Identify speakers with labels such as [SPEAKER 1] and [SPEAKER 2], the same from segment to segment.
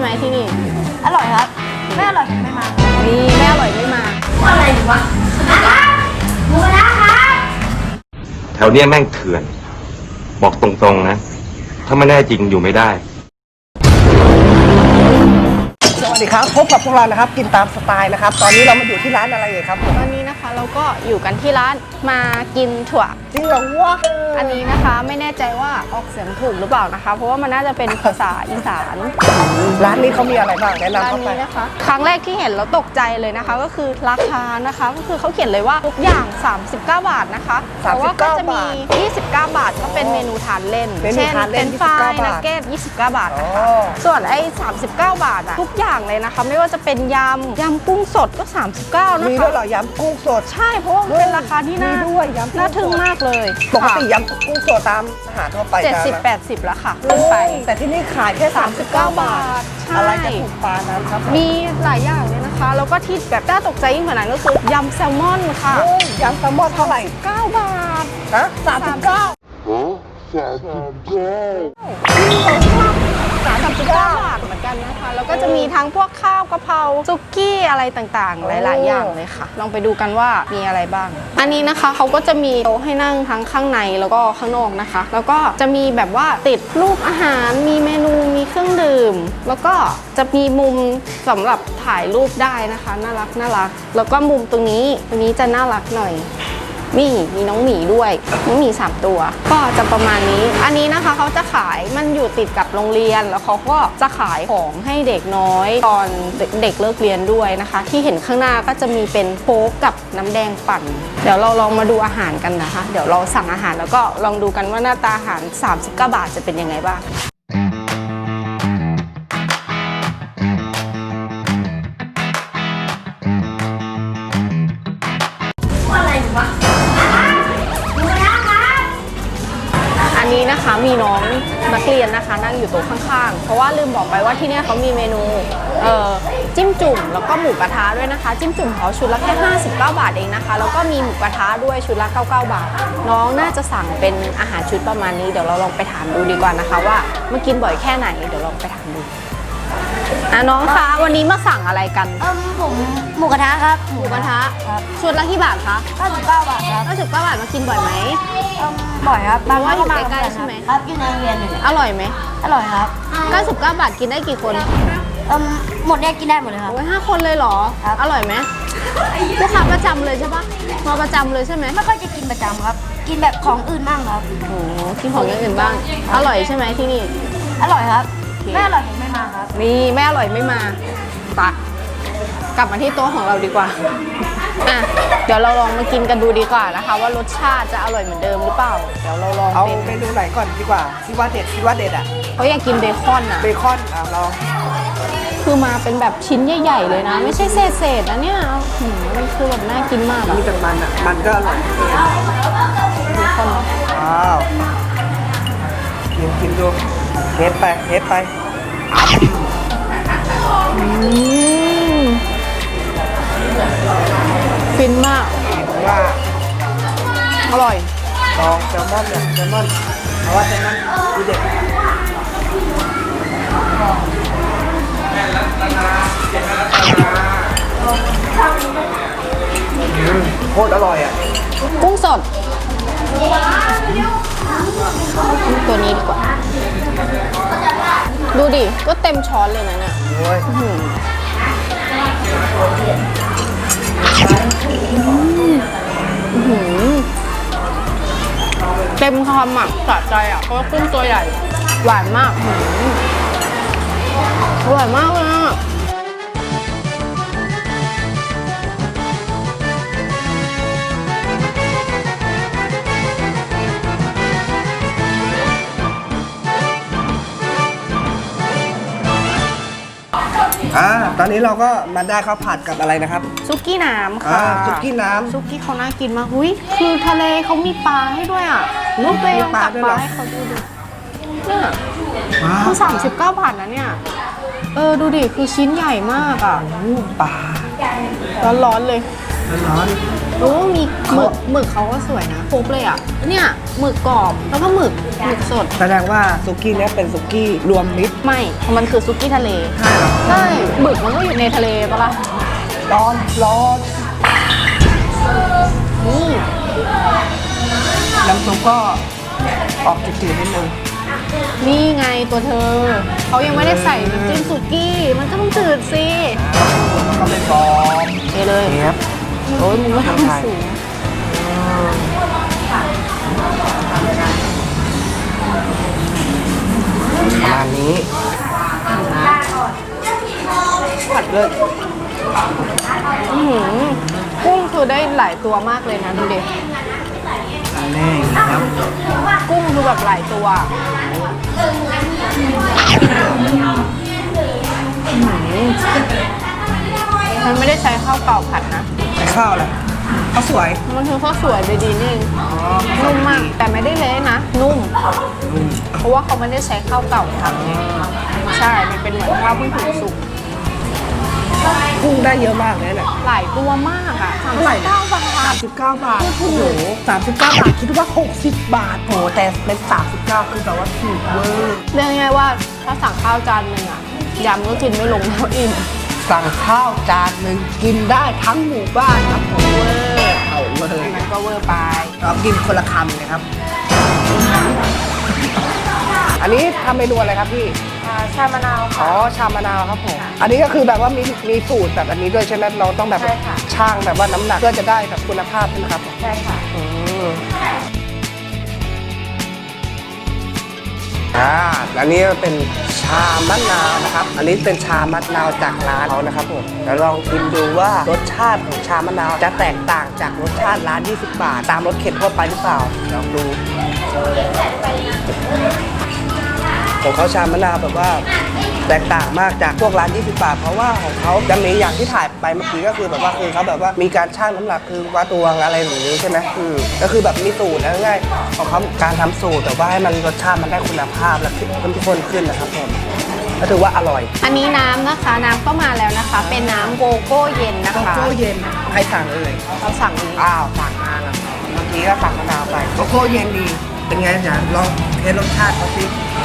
[SPEAKER 1] ที่นี่
[SPEAKER 2] อร่อยครับไม่อร่อยไม่มา
[SPEAKER 1] นี่ไม่อร่อยไม่มา
[SPEAKER 2] อะไรดีวะหมูกระทะครับ
[SPEAKER 3] แถวเนี้ยแม่งเถื่อน บอกตรงๆนะ ถ้าไม่แน่จริงอยู่ไม่ได้
[SPEAKER 4] สวัสดีครับพบกับพวกเรานะครับกินตามสไตล์นะครับตอนนี้เรามาอยู่ที่ร้านอะไรครับ
[SPEAKER 1] ตอนนี้นะคะเราก็อยู่กันที่ร้านมากินถั่ว
[SPEAKER 4] จริงเหรอวะ
[SPEAKER 1] อันนี้นะคะไม่แน่ใจว่าออกเสียงถูกหรือเปล่านะคะเพราะว่ามันน่าจะเป็นภาษาอีสาน
[SPEAKER 4] ร้านนี้เขามีอะไรบ้างแนะนำ
[SPEAKER 1] ร้าน
[SPEAKER 4] เข้าไป
[SPEAKER 1] นี้นะคะครั้งแรกที่เห็นแล้วตกใจเลยนะคะก็คือราคานะคะก็คือเขาเขียนเลยว่าทุกอย่าง39 บาทนะคะแต่ว่าก็จะมี29 บาทก็เป็นเมนูทานเล่นเช่นเป็นฟรายนักเก็ต29 บาทนะคะส่วนไอ้39 บาทอะทุกอย่างเลยนะคะไม่ว่าจะเป็นยำกุ้งสดก็39นะคะ
[SPEAKER 4] มีด้วยเหรอยำกุ้งสด
[SPEAKER 1] ใช่เพราะว่ามันเป็นราคาที่น่าทึ่งมากเลย
[SPEAKER 4] ปกติยำกุ้งสดตามอาหารทั่วไป
[SPEAKER 1] 70-80แล้วค่ะขึ้นไป
[SPEAKER 4] แต่ที่นี่ขายแค่39 บาทอะไรจะถูกปานั้นครับ
[SPEAKER 1] มีหลายอย่างเลยนะคะแล้วก็ที่แบบน่าตกใจยิ่งกว่านั้นก็คือยำแซลมอนค่ะ
[SPEAKER 4] ยำแซลมอนเท่าไหร่
[SPEAKER 1] 9 บาท
[SPEAKER 4] ฮะ39
[SPEAKER 1] 39 บาทเหมือนกันนะคะแล้วก็จะมีทั้งพวกข้าวกะเพราซุกี้อะไรต่างๆหลายๆอย่างเลยค่ะลองไปดูกันว่ามีอะไรบ้างอันนี้นะคะเขาก็จะมีโต๊ะให้นั่งทั้งข้างในแล้วก็ข้างนอกนะคะแล้วก็จะมีแบบว่าติดรูปอาหารมีเมนูมีเครื่องดื่มแล้วก็จะมีมุมสำหรับถ่ายรูปได้นะคะน่ารักแล้วก็มุมตรงนี้จะน่ารักหน่อยมีน้องหมีด้วยน้องหมี3 ตัวก็จะประมาณนี้อันนี้นะคะเขาจะขายมันอยู่ติดกับโรงเรียนแล้วเขาก็จะขายของให้เด็กน้อยตอนเด็กเลิกเรียนด้วยนะคะที่เห็นข้างหน้าก็จะมีเป็นโค้กกับน้ำแดงปั่นเดี๋ยวเราลองมาดูอาหารกันนะคะเดี๋ยวเราสั่งอาหารแล้วก็ลองดูกันว่าหน้าตาอาหาร39 บาทจะเป็นยังไงบ้าง
[SPEAKER 2] อะไรดีวะ
[SPEAKER 1] อันนี้นะคะมีน้องนักเรียนนะคะนั่งอยู่โต๊ะข้างๆเพราะว่าลืมบอกไปว่าที่นี่เขามีเมนูจิ้มจุ่มแล้วก็หมูกระทะด้วยนะคะจิ้มจุ่มเขาชุดละแค่59 บาทเองนะคะแล้วก็มีหมูกระทะด้วยชุดละ99 บาทน้องน่าจะสั่งเป็นอาหารชุดประมาณนี้เดี๋ยวเราลองไปถามดูดีกว่านะคะว่ามากินบ่อยแค่ไหนเดี๋ยวลองไปถามดูน้องคะวันนี้มาสั่งอะไรกัน
[SPEAKER 2] ผมหมูกระทะครับ
[SPEAKER 1] หมูกระทะชุดละกี่บาทคะ
[SPEAKER 2] 99 บาทครับ
[SPEAKER 1] 99 บาทมากินบ่อยไหม
[SPEAKER 2] บ่อยครับ
[SPEAKER 1] แปลว่าอยู่ใกล้ๆใช่ไหม
[SPEAKER 2] ครับอยู่ในโรงเรียนเลย
[SPEAKER 1] อร่อยไหม
[SPEAKER 2] อร่อยครับ
[SPEAKER 1] 99 บาทกินได้กี่คน
[SPEAKER 2] หมดเนี่ยกินได้หมดเลยครับ
[SPEAKER 1] โอ้ย5 คนเลยเหรออร่อยไหมลูกค้าประจำเลยใช่ปะมาประจำเลยใช่ไหม
[SPEAKER 2] ไม่ค่อยจะกินประจำครับกินแบบของอื่นบ้างครับ
[SPEAKER 1] โอ้กินของอย่างอื่นบ้างอร่อยใช่ไหมที่นี่
[SPEAKER 2] อร่อยครับไม่อร่อยผมไม่มาครับ
[SPEAKER 1] นี่ไม่อร่อยไม่มาปะกลับมาที่โต๊ะของเราดีกว่าเดี๋ยวเราลองมากินกันดูดีกว่านะคะว่ารสชาติจะอร่อยเหมือนเดิมหรือเปล่าเดี๋ยวเราลอง
[SPEAKER 4] เอาเมนูไหนก่อนดีกว่าคิดว่าเด็ดอ่ะ
[SPEAKER 1] เขาอยากกินเบคอนอ่ะ
[SPEAKER 4] เบคอนลอง
[SPEAKER 1] คือมาเป็นแบบชิ้นใหญ่ๆเลยนะไม่ใช่เศษนะเนี่ยมันคือแบบน่ากินมาก
[SPEAKER 4] มีแต่มันอ่ะมันก็อร่อย
[SPEAKER 1] เบคอน
[SPEAKER 4] ว้าวกินดูเทสไป
[SPEAKER 1] ฟินมากอร่อย
[SPEAKER 4] ลองแซลมอนเพราะว่าแซลมอนดูเด็ดโคตรอร่อยอ่ะ
[SPEAKER 1] กุ้งสดตัวนี้ดีกว่าดูดิก็เต็มช้อนเลยนะเนี่ยเต็มคำอ่ะสะใจอ่ะเพราะว่ากุ้งตัวใหญ่หวานมากอร่อยมากเลยอ่ะ
[SPEAKER 4] ตอนนี้เราก็มาได้ข้าวผัดกับอะไรนะครับ
[SPEAKER 1] ซุกี้น้ำค่ะ
[SPEAKER 4] ซุกี้น้ำ
[SPEAKER 1] ซุกี้เขาน่ากินมากหุ้ยคือทะเลเขามีปลาให้ด้วยอ่ะลูกตัวเองตักปลาให้เขาดูเนี่ยคือ39 บาทนะเนี่ยดูดิคือชิ้นใหญ่มากอ่ะ
[SPEAKER 4] ปลา
[SPEAKER 1] ร้อนๆเลย
[SPEAKER 4] ร้อน
[SPEAKER 1] โอ้มีหมึกเขาก็สวยนะครบเลยอ่ะเนี่ยหมึกกรอบแล้วก็หมึกสด
[SPEAKER 4] แสดงว่าซุกี้เนี้ยเป็นซุกี้รวมมิตร
[SPEAKER 1] ไม่มันคือซุกี้ทะเล
[SPEAKER 4] ใช่เหรอ
[SPEAKER 1] ใช่หมึกมันก็อยู่ในทะเลปะล่ะ
[SPEAKER 4] ร้อน
[SPEAKER 1] นี่
[SPEAKER 4] น้ำซุปก็ออกจืดๆนิดนึง
[SPEAKER 1] นี่ไงตัวเธอเขายังไม่ได้ใส่น้ำจิ้มสุกี้มันก็ต้องจืดสิ
[SPEAKER 4] แล้วก็ไม่ฟอง
[SPEAKER 1] เทเลย
[SPEAKER 4] เนี้ย
[SPEAKER 1] โอ้ยมึงก็ทำสูง
[SPEAKER 4] ประมาณนี้ผัดเลย
[SPEAKER 1] อื้อหือกุ้งคือได้หลายตัวมากเลยนะดูดิ
[SPEAKER 4] แน่ครับ
[SPEAKER 1] กุ้งคือแบบหลายตัวมันไม่ได้ใช้ข้าวเปล่าผัดนะ
[SPEAKER 4] ใส่ข้าวอะไรข้าวสวย
[SPEAKER 1] มันคือข้าวสวยดีๆนี่เอง
[SPEAKER 4] อ๋อ
[SPEAKER 1] นุ่มมากแต่ไม่ได้เละนะ นุ่ม เพราะว่าเขาไม่ได้ใช้ข้าวเก่าทำไงใช่ มันเป็นเหมือนข้าวเพิ่งถึงสุก
[SPEAKER 4] กุ้งได้เยอะมากเลยเนี่ย
[SPEAKER 1] หลายตัวมากอ่ะ
[SPEAKER 4] เท่าไหร่เนี่ย
[SPEAKER 1] 39 บาท
[SPEAKER 4] 39 บาท โอ้โห39 บาท คิดว่า 60 บาท โอ้โหแต่เป็น 39 คือแบบว่าถูกเวอร์
[SPEAKER 1] เรียกง่ายๆว่าถ้าสั่งข้าวจานหนึ่งอ่ะยำก็กินไม่ลงแล้วอิ่ม
[SPEAKER 4] สั่งข้าวจานหนึ่งกินได้ทั้งหมู่บ้านครับผมเวอร์เอาเลย
[SPEAKER 1] มันก็เวอร์ไป
[SPEAKER 4] เรากินคนละคำเลยครับ อันนี้ทำเมนูอะไรครับพี่
[SPEAKER 1] ชามะนาว
[SPEAKER 4] อ๋อ ชามะนาวครับผม อันนี้ก็คือแบบว่ามีสูตรแบบอันนี้ด้วยใช่ไหมเราต้องแบบ
[SPEAKER 1] ใช่ค่ะ
[SPEAKER 4] ช่างแบบว่าน้ำหนักเพื่อจะได้แบบคุณภาพใช่ไหมครับ
[SPEAKER 1] ใช่ค่ะ
[SPEAKER 4] อันนี้เป็นชามะนาวนะครับ อันนี้เป็นชามะนาวจากร้านเขานะครับผมแล้วลองชิมดูว่ารสชาติของชามะนาวจะแตกต่างจากรสชาติร้าน 20 บาท ตามรสเข็นทั่วไปหรือเปล่าลองดูของเขาชามะนาวแบบว่าแตกต่างมากจากพวกร้าน 20 บาท เพราะว่าของเขาจะมีอย่างที่ถ่ายไปเมื่อกี้ก็คือแบบว่าคือเขาแบบว่ามีการชั่งน้ำหนักคือวัดตวงอะไรอย่างนี้ใช่ไหมก็คือแบบมีสูตรแล้วง่ายๆของเขาการทำสูตรแต่ว่าให้มันรสชาติมันได้คุณภาพและเข้มข้นขึ้นนะครับผมก็ถือว่าอร่อย
[SPEAKER 1] อันนี้น้ำนะคะ น้ำก็มาแล้วนะคะ เป็นน้ำโกโก้เย็นนะ
[SPEAKER 4] โก
[SPEAKER 1] คะ
[SPEAKER 4] โก้เย็นใครสั่งเอ่ย
[SPEAKER 1] เราสั่งนี้
[SPEAKER 4] อ้าวสั่งมาแล้วเมื่อกี้ก็สั่งมะนาวไปโกโก้เย็นดีเป็นไงจ๊ะลองเทสรสชาติเขาสิ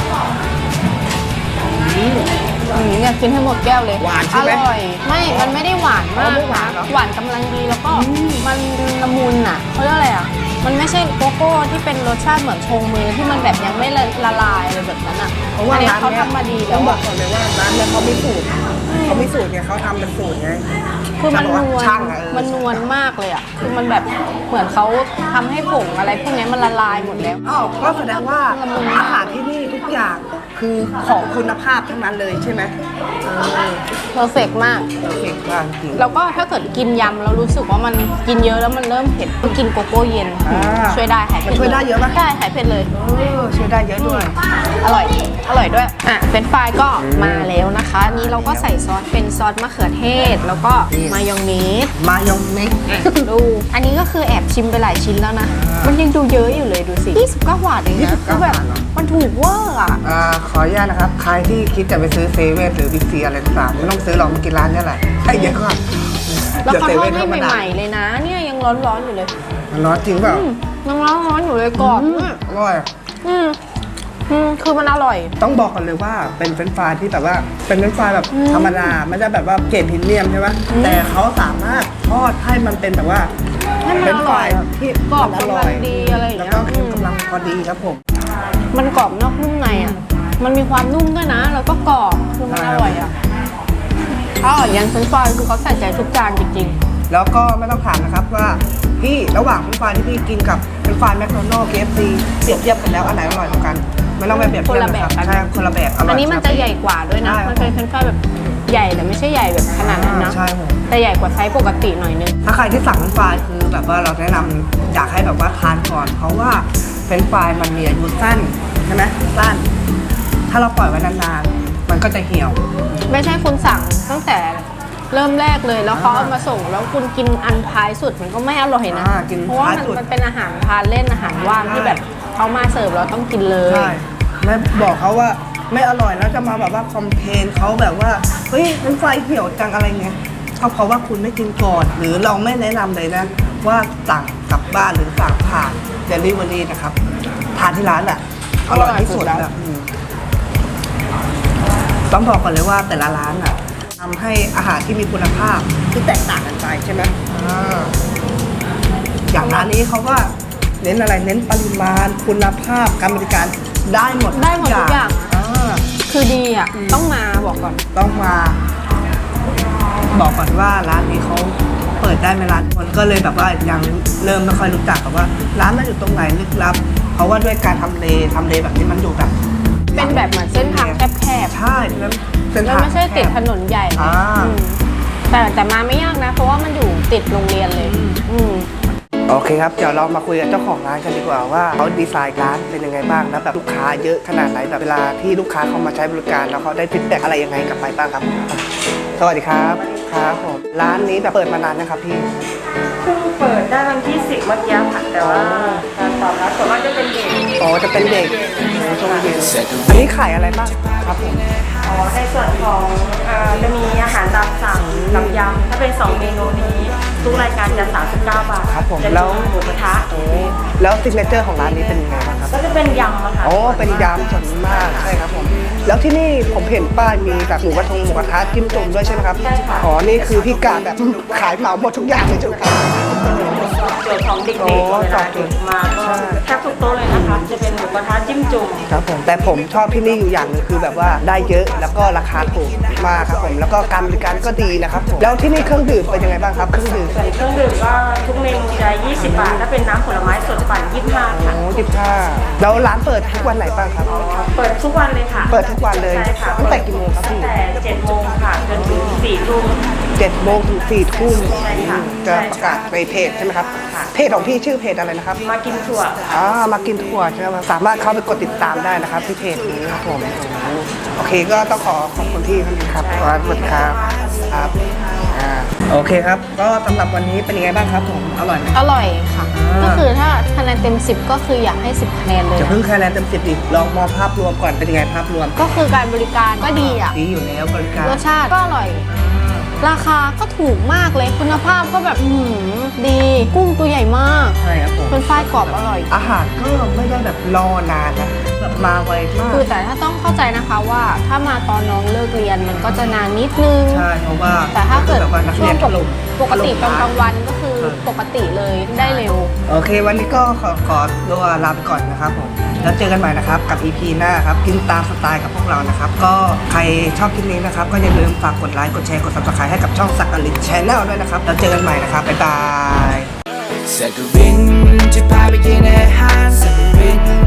[SPEAKER 1] อยากกินให้หมดแก้วเลย
[SPEAKER 4] หวานใช่ไหม
[SPEAKER 1] อร่อย ไม่ มันไม่ได้หวานมาก
[SPEAKER 4] ไม่หวาน
[SPEAKER 1] นะ
[SPEAKER 4] เหรอ
[SPEAKER 1] หวานกำลังดีแล้วก็มันละมุนอ่ะเขาเรียกอะไรอ่ะ มันไม่ใช่โกโก้ที่เป็นรสชาติเหมือนชงมือที่มันแบบยังไม่ละลายเลยแบบนั้นอ่ะ
[SPEAKER 4] เพราะว่า
[SPEAKER 1] อันนี้
[SPEAKER 4] ร้าน
[SPEAKER 1] เขา
[SPEAKER 4] เนี้ย
[SPEAKER 1] ทำมาดี
[SPEAKER 4] ต้
[SPEAKER 1] แล้
[SPEAKER 4] อง
[SPEAKER 1] ว
[SPEAKER 4] บอ
[SPEAKER 1] อะ
[SPEAKER 4] กก่อนเลยว่าร้านเนี้ยเขามีสูตรไงเขาทำเป็นสูตรไง
[SPEAKER 1] คือมันนวล
[SPEAKER 4] ช่างอะ
[SPEAKER 1] มันนวลมากเลยอ่ะ คือมันแบบเหมือนเขาทำให้ผงอะไรพวกนี้มันละลายหมดแล้ว
[SPEAKER 4] อ้าวก็แสดงว่าอาหารที่นี่ทุกอย่างคือของคุณภาพทั้งนั้นเลยใช่ไหม
[SPEAKER 1] เพอร์เฟกมาก
[SPEAKER 4] เก่งมากจริง
[SPEAKER 1] แล้วก็ถ้าเกิดกินยำแล้วรู้สึกว่ามันกินเยอะแล้วมันเริ่มเผ็ดก็กินโกโก้เย็น
[SPEAKER 4] อ่า
[SPEAKER 1] ช่วยได้หายเผ็ด
[SPEAKER 4] มันช่วยได้เยอะปะ
[SPEAKER 1] ได้หายเผ็ดเลย
[SPEAKER 4] ช่วยได้เยอะด้วย
[SPEAKER 1] อร่อย อร่อยด้วย อ่ะ เป็นไฟรายก็มาแล้วนะคะอันนี้เราก็ใส่ซอสเป็นซอสมะเขือเทศ แล้วก็
[SPEAKER 4] นี่
[SPEAKER 1] มายองเนส
[SPEAKER 4] มายองเนส
[SPEAKER 1] อ่ะดู อันนี้ก็คือแอบชิมไปหลายชิ้นแล้วนะ มันยังดูเยอะอยู่เลยดูสิ29 บาทเองนะคือแบบมันถูกเวอร์อ่ะ
[SPEAKER 4] ขออนุญาตนะครับ ใครที่คิดจะไปซื้อเซเว่นหรือบิ๊กซีอะไรต่างๆไม่ต้องซื้อหรอกมากินร้านนี้แหละให้เยอะกว่า
[SPEAKER 1] แล้วเขาทอด
[SPEAKER 4] ดี๋ย
[SPEAKER 1] ให้
[SPEAKER 4] ธรรดา
[SPEAKER 1] ใหม่ๆเลยนะ เนี่ยยังร้อนๆอยู่เลย
[SPEAKER 4] มันร้อนจริงเปล่า
[SPEAKER 1] ยังร้อนๆอยู่เลยกรอบมาก
[SPEAKER 4] อร่อย
[SPEAKER 1] คือมันอร่อย
[SPEAKER 4] ต้องบอกกันเลยว่าเป็นเฟรนช์ฟรายที่แบบว่าเป็นเฟรนช์ฟรายแบบธรรมดาไม่ได้แบบว่าเกรดพรีเมียมใช่ไหมแต่เขาสามารถทอดให้มันเป็นแบบว่า
[SPEAKER 1] ให้มัน
[SPEAKER 4] เฟรนช์ฟราย
[SPEAKER 1] อร่อย
[SPEAKER 4] ที่
[SPEAKER 1] กรอบ
[SPEAKER 4] มันอร่อย
[SPEAKER 1] กำลังดีอะไรอย่างเงี้ย
[SPEAKER 4] แล้วก็เค็มกำลังพอดีครับผม
[SPEAKER 1] มันกรอบนอกนุ่มในอ่ะ มันมีความนุ่มด้วยนะ แล้วก็กรอบคือมันอร่อยอ่ะอร่อยยันเฟรนช์ฟรายคือเขาใส่ใจทุกจานจริง
[SPEAKER 4] แล้วก็ไม่ต้องถามนะครับว่าพี่ระหว่างเฟรนช์ฟรายที่พี่กินกับเฟรนช์ฟรายแมคโดนัลด์ KFC เปรียบเทียบกันแล้วอันไหนอร่อยกว่ากันไม่ต้องไปเปรียบเทียบนะครับใช่คนละแบบอร่อย
[SPEAKER 1] อันนี้มันจะใหญ่กว่าด้วยนะ
[SPEAKER 4] ใช่
[SPEAKER 1] มันเป็นเฟรนช์ฟรายแบบใหญ่แต่ไม่ใช่ใหญ่แบบขนาดนั้นนะ
[SPEAKER 4] ใช่ผม
[SPEAKER 1] แต่ใหญ่กว่าไซส์ปกติหน่อยนึง
[SPEAKER 4] ถ้าใครที่สั่งเฟรนช์ฟรายคือแบบว่าเราแนะนำอยากให้แบบว่าทานก่อน เพราะว่าเฟรนช์ฟรายมันมีอายุสั้นใช่ไหมสั้น ถ้าเราปล่อยไว้นานๆมันก็จะเหี่ยว
[SPEAKER 1] ไม่ใช่คุณสั่งตั้งแต่เริ่มแรกเลยแล้วเขาเอามาส่งแล้วคุณกินอันท้ายสุดมันก็ไม่อร่อยนะ
[SPEAKER 4] กิน
[SPEAKER 1] เพราะว่า
[SPEAKER 4] ท้ายสุด
[SPEAKER 1] มันเป็นอาหารทานเล่นอาหารว่าง
[SPEAKER 4] ใช่
[SPEAKER 1] ที่แบบเขามาเสิร์ฟเราต้องกินเลย
[SPEAKER 4] ใช่แล้วบอกเขาว่าไม่อร่อยแล้วจะมาแบบว่าคอมเพลนเขาแบบว่าเฮ้ยมันไฟเหี่ยวจังอะไรเงี้ยเพราะว่าคุณไม่กินก่อนหรือเราไม่แนะนำเลยนะว่าสั่งกลับบ้านหรือสั่งผ่านเดลิเวอรี่นะครับทานที่ร้านอ่ะอร่อยที่สุดแบบต้องบอกก่อนเลยว่าแต่ละร้านอ่ะทำให้อาหารที่มีคุณภาพที่แตกต่างกันไปใช่ไหมอย่างร้านนี้เขาก็เน้นอะไรเน้นปริมาณคุณภาพการบริการได้หมด
[SPEAKER 1] ได้หมดทุกอย่าง คือดีอ่ะ ต้องมาบอกก่อน
[SPEAKER 4] ต้องมา บอกก่อนว่าร้านนี้เขาเปิดได้ไม่ร้านคนก็เลยแบบว่ายังเริ่มไม่ค่อยรู้จักแบบว่า ร้านมันอยู่ตรงไหนลึกลับ เพราะว่าด้วยการทำเลแบบนี้มันอยู่แบบ
[SPEAKER 1] เป็นแบบเหมือนเส้นทางแคบ
[SPEAKER 4] ใช่แล้วเส้น
[SPEAKER 1] ๆแล้ว
[SPEAKER 4] ทาง
[SPEAKER 1] ไม่ใช่ติดถนนใหญ่
[SPEAKER 4] อ่า
[SPEAKER 1] อืมแต่มาไม่ยากนะ เพราะว่ามันอยู่ติดโรงเรียนเลย อืม
[SPEAKER 4] โอเคครับเดี๋ยวเรามาคุยกับเจ้าของร้านกันดีกว่าว่าเขาดีไซน์ร้านเป็นยังไงบ้างแล้วแบบลูกค้าเยอะขนาดไหนแบบเวลาที่ลูกค้าเขามาใช้บริการแล้วเขาได้ฟีดแบ็กอะไรยังไงกลับไปบ้างครับ สวัสดีครับครับผมร้านนี้แบบเปิดมานานนะครับพี่
[SPEAKER 5] เพิ่งเปิดได้วันที่ 10 เมื่อกี้ค่ะ แต่ว่าการตอบรับส่วนมากจะเป็นเด็ก
[SPEAKER 4] อ๋อจะเป็นเด็กช่วงเย็นอันนี้ขายอะไรบ้างครับผม
[SPEAKER 5] ในส่วนของจะมีอาหารตามสั่งกับยำถ้าเป็น 2 เมนูนี้ทุกรายการจะ 39 บาท
[SPEAKER 4] ครับผม
[SPEAKER 5] จะ
[SPEAKER 4] แล้ว
[SPEAKER 5] มีหมูกระทะ
[SPEAKER 4] แล้วซิกเนเจอร์ของร้านนี้เป็นยังไงบ้างครับ
[SPEAKER 5] ก็จะเป็นยำอะค่ะ
[SPEAKER 4] อ๋อเป็นยำส่วนมากใช่ครับผมแล้วที่นี่ผมเห็นป้ายมีแบบหมูกระทะจิ้มจุ่มด้วยใช่ไหมครับอ๋อนี่คือพี่กาแบบขายเหมาหมดทุกอย่างเลยใช่ไหมครับ
[SPEAKER 5] ส่วนของเด็ก
[SPEAKER 4] โอ้
[SPEAKER 5] ๆเว
[SPEAKER 4] ตอ
[SPEAKER 5] ลา
[SPEAKER 4] บโจ
[SPEAKER 5] เด็
[SPEAKER 4] ท
[SPEAKER 5] ก
[SPEAKER 4] ย์
[SPEAKER 5] มาก็แทบทุกโต๊ะเลยนะคะ จะเป็นหมูกระทะจิ้มจุ่ม
[SPEAKER 4] ครับผมแต่ผมชอบที่นี่อยู่อย่างหนึงคือแบบว่าได้เยอะแล้วก็ราคาถูกมากครับผมแล้วก็การบริการก็ดีนะครับผมแล้วที่นี่เครื่องดื่มเป็นยังไงบ้างครับเครื่องดื่ม
[SPEAKER 5] ส่วนเครื่องดื่มก็ทุกเมนูจะ20 บาท ถ้าเป็นน้ำผลไม้สดปั่น25 ค่ะ
[SPEAKER 4] โอ้15แล้วร้านเปิดทุกวันไหนบ้างครับ
[SPEAKER 5] เปิดทุกวันเลยค่ะ
[SPEAKER 4] เปิดทุกวันเลย
[SPEAKER 5] ใช่ค่ะ
[SPEAKER 4] ตั้งแต่กี่โมงครับพี่
[SPEAKER 5] ตั้งแต่7 โมงค่ะจนถึง4 ทุ่ม
[SPEAKER 4] 7 โมงถึง 4 ทุ่ม
[SPEAKER 5] ใช่ค่ะ
[SPEAKER 4] จะประกาศในเพจใช่ไหมครับเพจของพี่ชื่อเพจอะไรนะครับ
[SPEAKER 5] มากินถั่วค่ะ
[SPEAKER 4] มากินถั่วใช่ไหมสามารถเข้าไปกดติดตามได้นะครับที่เพจนี้ครับผมโอเคก็ต้องขอบคุณพี่ครับขอบคุณครับครับโอเคครับก็สำหรับวันนี้เป็นยังไงบ้างครับผมอร่อยไหม
[SPEAKER 1] อร่อยค่ะ ก็คือถ้าคะแนนเต็ม 10 ก็คืออยากให้ 10 คะแนนเลย
[SPEAKER 4] จะ
[SPEAKER 1] นะ
[SPEAKER 4] เพิ่งคะแนนเต็ม10ดิลองมองภาพรวมก่อนเป็นยังไงภาพรวม
[SPEAKER 1] ก็คือการบริการก็ดีอ่ะ
[SPEAKER 4] ดีอยู่แล้วบริการ
[SPEAKER 1] รสชาติก็อร่อย ราคาก็ถูกมากเลย คุณภาพก็แบบดี กุ้งตัวใหญ่มาก
[SPEAKER 4] ใช่ครับผม
[SPEAKER 1] เป็นฝ้ายกรอบอร่อย
[SPEAKER 4] อาหารก็ไม่ได้แบบรอนานนะแบบมาไวมาก
[SPEAKER 1] คือแต่ถ้าต้องเข้าใจนะคะว่าถ้ามาตอนน้องเลิกเรียนมันก็จะนานนิดนึง
[SPEAKER 4] ใช่เพราะว่า
[SPEAKER 1] แต่ถ้าเกิด
[SPEAKER 4] แบบว่านัก
[SPEAKER 1] ช่
[SPEAKER 4] เรี
[SPEAKER 1] วย ง
[SPEAKER 4] นถล่ม
[SPEAKER 1] ปกติตอนกลางวันก็คือปกติเลยได้เร็ว
[SPEAKER 4] โอเค วันนี้ก็ขอตัวลาไปก่อนนะครับผมแล้วเจอกันใหม่นะครับกับ EP หน้าครับกินตามสไตล์กับพวกเรานะครับก็ใครชอบคลิปนี้นะครับก็อย่าลืมฝากกดไลค์กดแชร์กด Subscribe ให้กับช่องสักอลิน Channel ด้วยนะครับแล้วเจอกันใหม่นะครับบ๊ายบาย
[SPEAKER 6] สักกรินจะพาไปกินอาหารสักกริน